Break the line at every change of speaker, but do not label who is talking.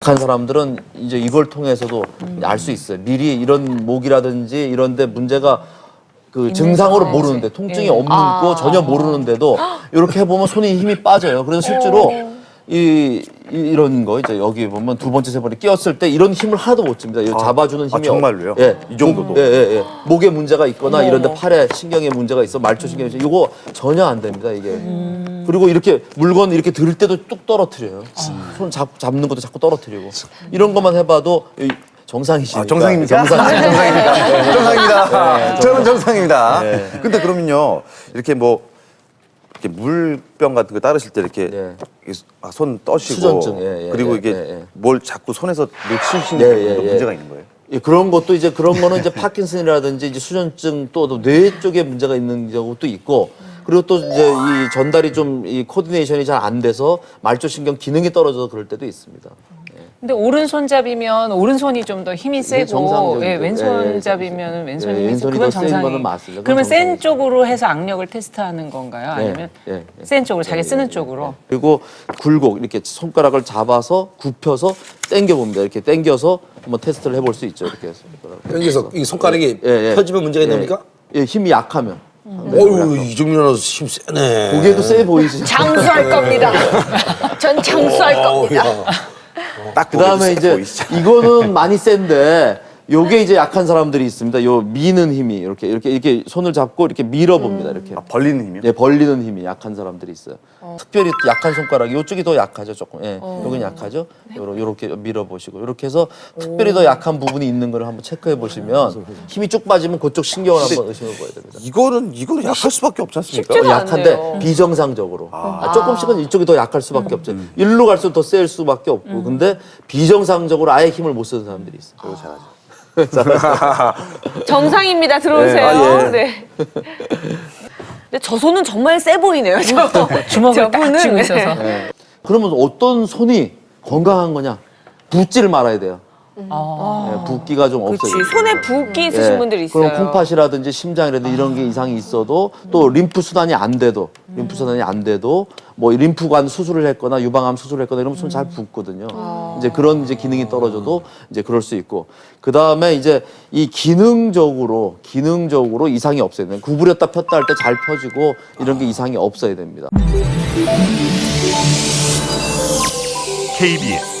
약한 사람들은 이제 이걸 통해서도 알 수 있어요. 미리 이런 목이라든지 이런데 문제가 그 증상으로 모르는데 통증이 없는 거 전혀 모르는데도 이렇게 해보면 손에 힘이 빠져요. 그래서 실제로 이런 거 이제 여기 보면 두 번째 세 번째 끼었을 때 이런 힘을 하나도 못 줍니다. 이 잡아주는 힘이
정말로요?
예,
이 정도도?
예. 목에 문제가 있거나 이런데 팔에 신경에 문제가 있어 말초신경이 있어 이거 전혀 안 됩니다 이게. 그리고 이렇게 물건 이렇게 들 때도 뚝 떨어뜨려요. 손 잡는 것도 자꾸 떨어뜨리고 이런 것만 해봐도 정상이시니까.
정상입니까? 정상입니다. 정상입니다. 저는 정상입니다. 근데 그러면요, 이렇게 뭐, 이렇게 물병 같은 거 따르실 때 이렇게 손 떠시고.
수전증,
그리고 이게 뭘 자꾸 손에서 놓치시는 문제가 있는 거예요?
예, 그런 것도 이제 그런 거는 이제 파킨슨이라든지 이제 수전증 또 뇌 쪽에 문제가 있는 경우도 있고 그리고 또 이제 이 전달이 좀 이 코디네이션이 잘 안 돼서 말초신경 기능이 떨어져서 그럴 때도 있습니다.
근데 오른손잡이면 오른손이 좀 더 힘이 세고
정상적이죠.
왼손잡이면 왼손이 힘이 세고
왼손이
그건
더 센
정상이.
거는 맞습니다.
그러면
그건
센
정상이죠.
쪽으로 해서 악력을 테스트하는 건가요? 아니면 센 쪽으로 자기 쓰는 쪽으로?
그리고 굴곡 이렇게 손가락을 잡아서 굽혀서 당겨 봅니다. 이렇게 당겨서 한번 테스트를 해볼 수 있죠. 이렇게 해서
여기서 이 손가락이 펴지면 문제가 있는 겁니까?
예, 힘이 약하면.
어유 이정민아도 힘 세네.
보기에도 세 보이지.
장수할 겁니다. 전 장수할 겁니다.
딱
그다음에 이제 이거는 많이 센데 요게 이제 약한 사람들이 있습니다. 요 미는 힘이 이렇게 손을 잡고 이렇게 밀어봅니다. 이렇게.
벌리는 힘이요?
네, 벌리는 힘이 약한 사람들이 있어요. 특별히 약한 손가락이 이쪽이 더 약하죠, 조금. 예, 여긴 약하죠. 요렇게 밀어보시고 이렇게 해서 특별히 더 약한 부분이 있는 걸 한번 체크해 보시면 힘이 쭉 빠지면 그쪽 신경을 한번 의심해 봐야 됩니다.
이거는 약할 수밖에 없지 않습니까?
쉽지가
약한데
않네요.
비정상적으로 조금씩은 이쪽이 더 약할 수밖에 없죠. 일로 갈수록 더 셀 수밖에 없고 근데 비정상적으로 아예 힘을 못 쓰는 사람들이 있어요.
그거 잘하죠.
정상입니다. 들어오세요. 네. 근데 저 손은 정말 세 보이네요.
주먹을 딱
저분은,
쥐고 있어서.
그러면 어떤 손이 건강한 거냐? 붓지를 말아야 돼요. 붓기가 좀 없어요.
그렇지. 손에 붓기 있으신 분들이 있어요.
그럼 콩팥이라든지 심장이라든지 이런 게 이상이 있어도 또 림프 순환이 안 돼도 뭐 림프관 수술을 했거나 유방암 수술을 했거나 이러면 손 잘 붓거든요. 이제 그런 이제 기능이 떨어져도 이제 그럴 수 있고 그 다음에 이제 이 기능적으로 이상이 없어야 돼요. 구부렸다 폈다 할 때 잘 펴지고 이런 게 이상이 없어야 됩니다.
KBS